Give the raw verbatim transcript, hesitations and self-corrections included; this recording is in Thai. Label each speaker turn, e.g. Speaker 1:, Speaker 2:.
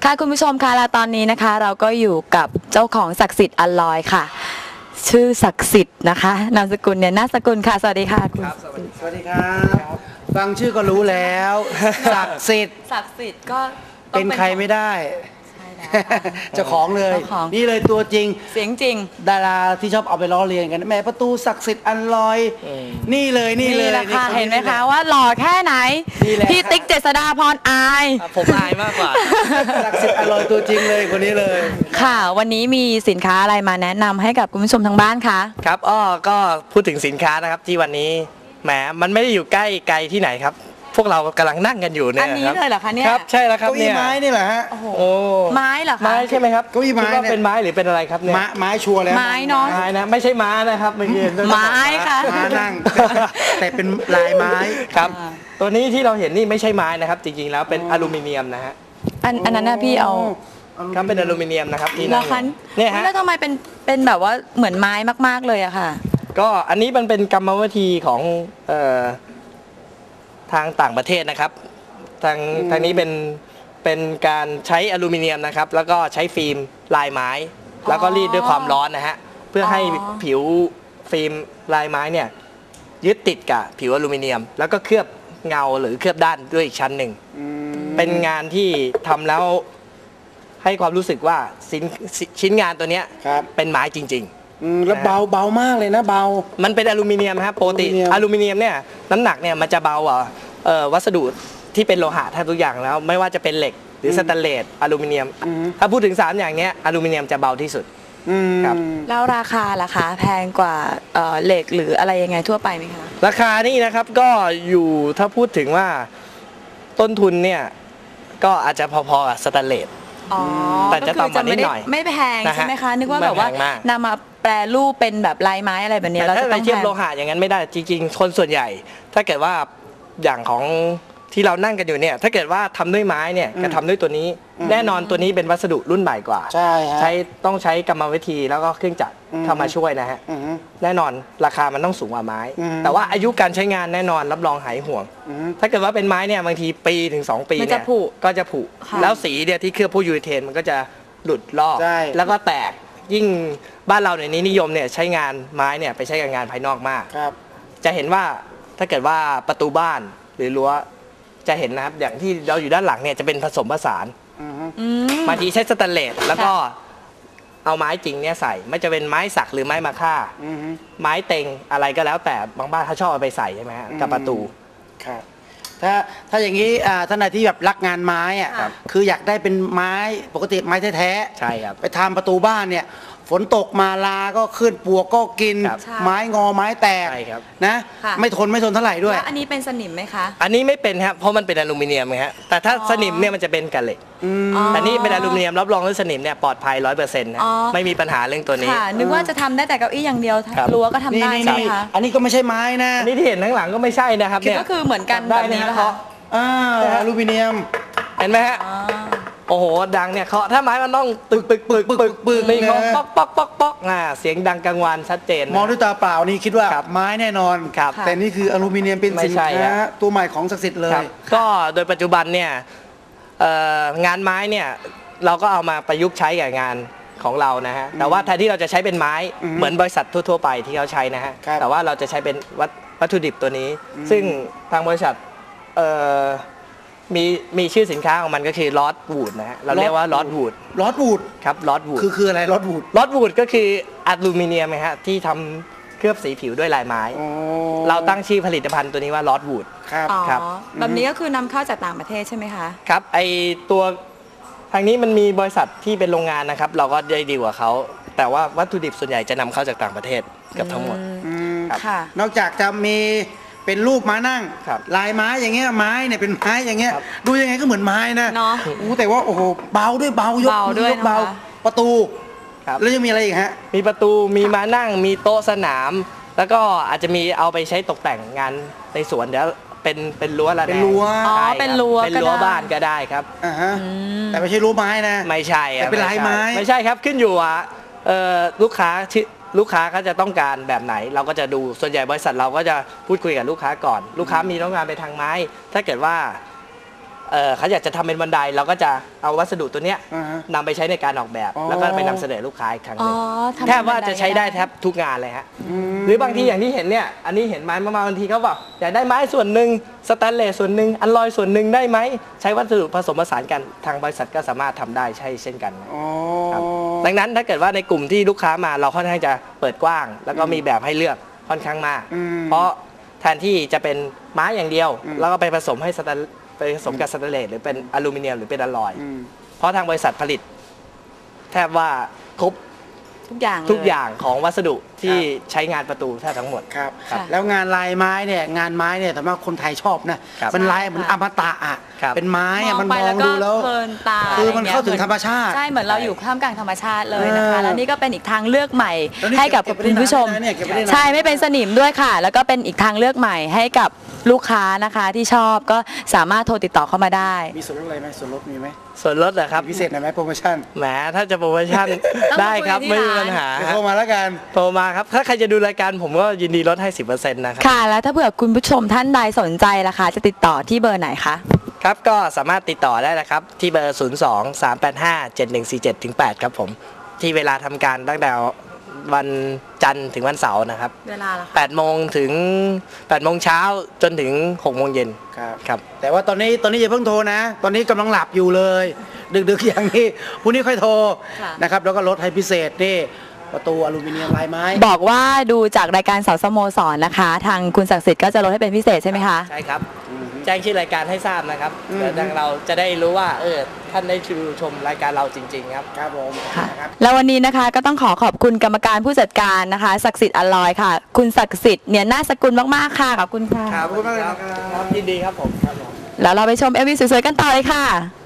Speaker 1: ค่ะคุณผู้ชมคะและตอนนี้นะคะเราก็อยู่กับเจ้าของศักดิ์สิทธิ์อลลอยค่ะชื่อศักดิ์สิทธิ์นะคะนามสกุลเนี่ยนาสกุลค่ะสวัสดีค่ะคุณ
Speaker 2: สวัสดีครับฟังชื่อก็รู้แล้วศักดิ์สิทธิ์
Speaker 1: ศักดิ์สิทธิ์ก็
Speaker 2: เป็นใครไม่ได้เจ้าของเลยนี่เลยตัวจริง
Speaker 1: เสียงจริง
Speaker 2: ดาราที่ชอบเอาไปล้อเลียนกันแม่ประตูศักดิ์สิทธิ์อันลอยนี่เลยนี่เลย
Speaker 1: นะคะเห็นไหมคะว่าหล่อแค่ไหนพี่ติ๊กเจษฎาพรอาย
Speaker 3: ผมอายมากกว่า
Speaker 2: ศักดิ์สิทธิ์อันลอยตัวจริงเลยคนนี้เลย
Speaker 1: ค่ะวันนี้มีสินค้าอะไรมาแนะนำให้กับคุณผู้ชมทางบ้านคะ
Speaker 3: ครับอ้อก็พูดถึงสินค้านะครับที่วันนี้แหมมันไม่ได้อยู่ใกล้ไกลที่ไหนครับพวกเรากำลังนั่งกันอยู่เนี่ย
Speaker 1: อันนี้เลยเหรอคะเนี่ย
Speaker 3: ครับใช่แล้วครับ
Speaker 2: เนี่ยไม้นี่แหละฮะ
Speaker 1: โอ้ไม้เหรอคะ
Speaker 3: ไม้ใช่ไหมครับ
Speaker 2: เก้าอี้ไม้
Speaker 3: เป็นไม้หรือเป็นอะไรครับเนี่ย
Speaker 2: ไม้ชัวร์แล้ว
Speaker 1: ไม้เนาะ
Speaker 3: ไม้นะไม่ใช่ม้านะครับไม่ใช่
Speaker 1: ไม้ค่ะ
Speaker 2: ม้านั่งแต่เป็นลายไม้
Speaker 3: ครับตัวนี้ที่เราเห็นนี่ไม่ใช่ไม้นะครับจริงๆแล้วเป็นอลูมิเนียมนะฮะ
Speaker 1: อันอันนั้นนะพี่เอา
Speaker 3: ครับเป็นอลูมิเนียมนะครับที่นั่ง
Speaker 1: เนี่ยฮะแล้วทำไมเป็นเป็นแบบว่าเหมือนไม้มากๆเลยอะค่ะ
Speaker 3: ก็อันนี้มันเป็นกรรมวิธีของเอ่อทางต่างประเทศนะครับทางทางนี้เป็นเป็นการใช้อลูมิเนียมนะครับแล้วก็ใช้ฟิล์มลายไม้แล้วก็รีดด้วยความร้อนนะฮะเพื่อให้ผิวฟิล์มลายไม้เนี่ยยึดติดกับผิวอลูมิเนียมแล้วก็เคลือบเงาหรือเคลือบด้านด้วยอีกชั้นหนึ่งเป็นงานที่ทำแล้วให้ความรู้สึกว่าชิ้นชิ้นงานตัวเนี้ยเป็นไม้จริง
Speaker 2: ๆแล้วเบาเบามากเลยนะเบา
Speaker 3: มันเป็นอลูมิเนียมครับปกติอลูมิเนียมเนี่ยน้ำหนักเนี่ยมันจะเบากว่าวัสดุที่เป็นโลหะแทบทุกอย่างแล้วไม่ว่าจะเป็นเหล็กหรือสแตนเลสอลูมิเนียมถ้าพูดถึงสามอย่างนี้อลูมิเนียมจะเบาที่สุด
Speaker 1: ครับแล้วราคาล่ะคะแพงกว่าเหล็กหรืออะไรยังไงทั่วไปไหมคะ
Speaker 3: ราคานี่นะครับก็อยู่ถ้าพูดถึงว่าต้นทุนเนี่ยก็อาจจะพอๆกับสแตนเลสแต่จะต่ำกว่านิดหน่อย
Speaker 1: ไม่แพงใช่ไหมคะนึกว่าแบบว่านำมาแปรรูปเป็นแบบลายไม้อะไรแบบนี้เราจะต้อง
Speaker 3: เทียบโลหะอย่างนั้นไม่ได้จริงๆคนส่วนใหญ่ถ้าเกิดว่าอย่างของที่เรานั่งกันอยู่เนี่ยถ้าเกิดว่าทำด้วยไม้เนี่ยกับทำด้วยตัวนี้แน่นอนตัวนี้เป็นวัสดุรุ่นใหม่กว่า
Speaker 2: ใช่
Speaker 3: ใช้ต้องใช้กรรมวิธีแล้วก็เครื่องจักรเข้ามาช่วยนะฮะแน่นอนราคามันต้องสูงกว่าไม้แต่ว่าอายุการใช้งานแน่นอนรับรองหายห่วงถ้าเกิดว่าเป็นไม้เนี่ยบางทีปีถึงสองปีเนี่ยก็จะผุแล้วสีเนี่ยที่เคลือบพวกยูริเทนมันก็จะหลุดลอกแล้วก็แตกยิ่งบ้านเราในนี้นิยมเนี่ยใช้งานไม้เนี่ยไปใช้กับงานภายนอกมากจะเห็นว่าถ้าเกิดว่าประตูบ้านหรือรั้วจะเห็นนะครับอย่างที่เราอยู่ด้านหลังเนี่ยจะเป็นผสมผสานบางทีใช้สแตนเลสแล้วก็เอาไม้จริงเนี่ยใส่ไม่จะเป็นไม้สักหรือไม้มาค่าไม้เต็งอะไรก็แล้วแต่บางบ้านเขาชอบเอาไปใส่ใช่ไหมฮะกับประตู
Speaker 2: ครับถ้าถ้าอย่างนี้ท่านใดที่แบบรักงานไม้อ่ะคืออยากได้เป็นไม้ปกติไม้แท้ๆ
Speaker 3: ใช่ครับ
Speaker 2: ไปทำประตูบ้านเนี่ยฝนตกมาลาก็ขึ้นปลวกก็กินไม้งอไม้แตกนะไม่ทนไม่ทนเท่าไหร่ด้วย
Speaker 1: อันนี้เป็นสนิมไหมคะ
Speaker 3: อันนี้ไม่เป็นครับเพราะมันเป็นอลูมิเนียมไงฮะแต่ถ้าสนิมเนี่ยมันจะเป็นกับเหล็กแต่นี่เป็นอลูมิเนียมรับรองว่าสนิมเนี่ยปลอดภัยร้อยเปอร์เซ็นต์นะไม่มีปัญหาเรื่องตัวนี้
Speaker 1: นึกว่าจะทำได้แต่เก้าอี้อย่างเดียวรั้วก็ทำได้ใช่ไหมคะ
Speaker 2: อันนี้ก็ไม่ใช่ไม้นะ
Speaker 3: นี่ที่เห็นข้างหลังก็ไม่ใช่นะครับเนี่ย
Speaker 1: ก็คือเหมือนกันแบบนี้นะคะ
Speaker 2: อ่าอลูมิเนียม
Speaker 3: เห็นไหมฮะโอ้โหดังเนี่ยเคาะถ้าไม้มันต้องตึกปึกปึกปึกปึกนี่เคาะป๊อกป๊อกป๊อกป๊อกอ่าเสียงดังกลางวันชัดเจน
Speaker 2: มองด้วยตาเปล่านี่คิดว่าไม้แน่นอนแต่นี่คืออลูมิเนียมเป็นสินค้าตัวใหม่ของศักดิ์สิทธิ์เลย
Speaker 3: ก็โดยปัจจุบันเนี่ยงานไม้เนี่ยเราก็เอามาประยุกต์ใช้กับงานของเรานะฮะแต่ว่าแทนที่เราจะใช้เป็นไม้เหมือนบริษัททั่วๆไปที่เขาใช้นะฮะแต่ว่าเราจะใช้เป็นวัตถุดิบตัวนี้ซึ่งทางบริษัทมีมีชื่อสินค้าของมันก็คือลอสวูดนะฮะเราเรียกว่าลอสวูด
Speaker 2: ลอสวูด
Speaker 3: ครับลอสวูด
Speaker 2: คือคืออะไรลอสวูด
Speaker 3: ลอสวูดก็คืออลูมิเนียมนะฮะที่ทำเคลือบสีผิวด้วยลายไม้เราตั้งชื่อผลิตภัณฑ์ตัวนี้ว่าลอสวูด
Speaker 2: ครับ
Speaker 1: ครับแบบนี้ก็คือนำเข้าจากต่างประเทศใช่ไหมคะ
Speaker 3: ครับไอตัวทางนี้มันมีบริษัทที่เป็นโรงงานนะครับเราก็ได้ดีกว่าเขาแต่ว่าวัตถุดิบส่วนใหญ่จะนำเข้าจากต่างประเทศกับทั้งหมด
Speaker 2: นอกจากจะมีเป็นรูปม้านั่งลายไม้อย่างเงี้ยไม้เนี่ยเป็นไม้อย่างเงี้ยดูยังไงก็เหมือนไม้นะอู้แต่ว่าโอ้โหเบาด้วยเบายกยกเบาประตูแล้วยังมีอะไรอีกฮะ
Speaker 3: มีประตูมีม้านั่งมีโต๊ะสนามแล้วก็อาจจะมีเอาไปใช้ตกแต่งงานในสวนเดี๋ยวเป็นเป็นรั้วละ
Speaker 2: เป็นรั้ว
Speaker 1: อ๋อเป็นรั้ว
Speaker 3: เป็นรั้วบ้านก็ได้ครับ
Speaker 2: อ่าฮะแต่ไม่ใช่รั้วไม้นะ
Speaker 3: ไม่ใช่
Speaker 2: แต่เป็นลายไม้
Speaker 3: ไม่ใช่ครับขึ้นอยู่อ่ะลูกค้าลูกค้าเขาจะต้องการแบบไหนเราก็จะดูส่วนใหญ่บริษัทเราก็จะพูดคุยกับลูกค้าก่อนลูกค้ามีต้องการไปทางไม้ถ้าเกิดว่าเอ่อเขาอยากจะทำเป็นบันไดเราก็จะเอาวัสดุตัวเนี้ย
Speaker 2: อ่าฮะ
Speaker 3: นำไปใช้ในการออกแบบ
Speaker 2: อ๋อ
Speaker 3: แล้วก็ไปนำเสนอลูกค้าอีกครั้งห
Speaker 1: อ๋อ
Speaker 3: นึ่ง
Speaker 1: ทำ
Speaker 3: แทบว่า
Speaker 1: บันด
Speaker 3: จะใช้ได้
Speaker 1: ก็
Speaker 3: แทบทุกงานเลยฮะหรือบางทีอย่างที่เห็นเนี่ยอันนี้เห็นไม้มาบางทีเขาบอกอยากได้ไม้ส่วนหนึ่งสแตนเลสส่วนหนึ่งอัลลอยส่วนหนึ่งได้ไหมใช้วัสดุผสมผสานกันทางบริษัทก็สามารถทำได้ใช่เช่นกันนะ
Speaker 2: อ๋อ
Speaker 3: ครับดังนั้นถ้าเกิดว่าในกลุ่มที่ลูกค้ามาเราค่อนข้างจะเปิดกว้าง แล้วก็มีแบบให้เลือกค่อนข้างมาก
Speaker 2: อืม
Speaker 3: เพราะแทนที่จะเป็นไม้อย่างเดียว
Speaker 2: อืม
Speaker 3: แล้วก็ไปผสมให้สแตนไปผสมกับสแตนเลสหรือเป็นอลูมิเนียมหรือเป็นอลลอย
Speaker 2: อืม
Speaker 3: เพราะทางบริษัทผลิต แทบว่าครบ
Speaker 1: ทุกอย่างเลย
Speaker 3: ทุกอย่างของวัสดุที่ใช้งานประตูแทบทั้งหมด
Speaker 2: ครับ
Speaker 1: ค่ะ
Speaker 2: แล้วงานลายไม้เนี่ยงานไม้เนี่ยสำหรับคนไทยชอบนะครับ มันลายเหมือนอมตะอ่ะ
Speaker 3: ครับ
Speaker 2: เป็นไม้อ่ะมัน
Speaker 1: ไป
Speaker 2: มอง
Speaker 1: ก็
Speaker 2: ดูแล้ว
Speaker 1: เพลินตา
Speaker 2: คือมันเข้าถึง
Speaker 1: อะไอย่
Speaker 2: ธรรมชาติ
Speaker 1: ใช่เหมือนเราอยู่ท่ามกลางธรรมชาติเลยนะคะ
Speaker 2: เออ
Speaker 1: แล้วนี่ก็เป็นอีกทางเลือกใหม่
Speaker 2: แล้วนี่
Speaker 1: ให้กับ
Speaker 2: เก็บไว้
Speaker 1: คุณผู้ชม
Speaker 2: ได้นานเนี่ยเก็บไว้ได้นาน
Speaker 1: ใช่ไม่เป็นสนิมด้วยค่ะ แล้วก็เป็นอีกทางเลือกใหม่ให้กับลูกค้านะคะที่ชอบก็สามารถโทรติดต่อเข้ามาได้
Speaker 2: มีส่วนลดอะไรไหมส่วนลดมีไหม
Speaker 3: ส่วนลดนะครับ
Speaker 2: มีพิเศษหน่อยไหมโปรโมชั่น
Speaker 3: แหมถ้าจะโปรโมชั่น
Speaker 1: ต้องมา
Speaker 3: ได้ครับ
Speaker 1: คุยที่
Speaker 3: ไม่มี
Speaker 1: ร้าน
Speaker 3: ปัญหา
Speaker 2: เดี๋ยวโทรมาแล้วกัน
Speaker 3: โทรมาครับถ้าใครจะดูรายการผมก็ยินดีลดให้ สิบเปอร์เซ็นต์ นะครับ
Speaker 1: ค่ะ แล้วถ้าเผื่อคุณผู้ชมท่านใดสนใจล่ะคะจะติดต่อที่เบอร์ไหนคะ
Speaker 3: ครับก็สามารถติดต่อได้นะครับ ที่เบอร์ ศูนย์ สอง สาม แปด ห้า เจ็ด หนึ่ง สี่ เจ็ด ถึง แปด ครับผม ที่เวลาทำการตั้งแต่วันจันทร์ถึงวันเสาร์นะครับ
Speaker 1: เวลาล่ะคะ
Speaker 3: แปดโมงถึงแปดโมงเช้าจนถึงหกโมงเย็น
Speaker 2: ครับ
Speaker 3: ครับ
Speaker 2: แต่ว่าตอนนี้ตอนนี้อย่าเพิ่งโทรนะ ตอนนี้กำลังหลับอยู่เลย ดึกๆอย่างนี้พรุ่งนี้ค่อยโทร
Speaker 1: ค่ะ
Speaker 2: นะครับแล้วก็ลดให้พิเศษนี่ประตูอลูมิเนียมลายไม้
Speaker 1: บอกว่าดูจากรายการเสาสโมสรนะคะ ทางคุณศักดิ์สิทธิ์ก็จะลดให้เป็นพิเศษใช่ไหมคะ
Speaker 3: ใช่ครับ แจ้งชื่อรายการให้ทราบนะครับ
Speaker 2: อืม
Speaker 3: เดี๋ยวทางเราจะได้รู้ว่าเออท่านได้ดูชมรายการเราจริง ๆ ครับ
Speaker 2: ครับผม
Speaker 1: ค่ะ
Speaker 2: นะครับ
Speaker 1: แล้ววันนี้นะคะก็ต้องขอขอบคุณกรรมการผู้จัดการนะคะศักดิ์สิทธิ์อลอยค่ะ คุณศักดิ์สิทธิ์เนี่ยน่าสกุลมากๆค่ะขอบคุณค่ะ
Speaker 3: ครับ
Speaker 2: ขอบคุณมากเลยครับ
Speaker 3: ครับยินดีครับผมครับผม
Speaker 1: แล้วเราไปชมเอ็มวีสวยๆกันต่อเลยค่ะ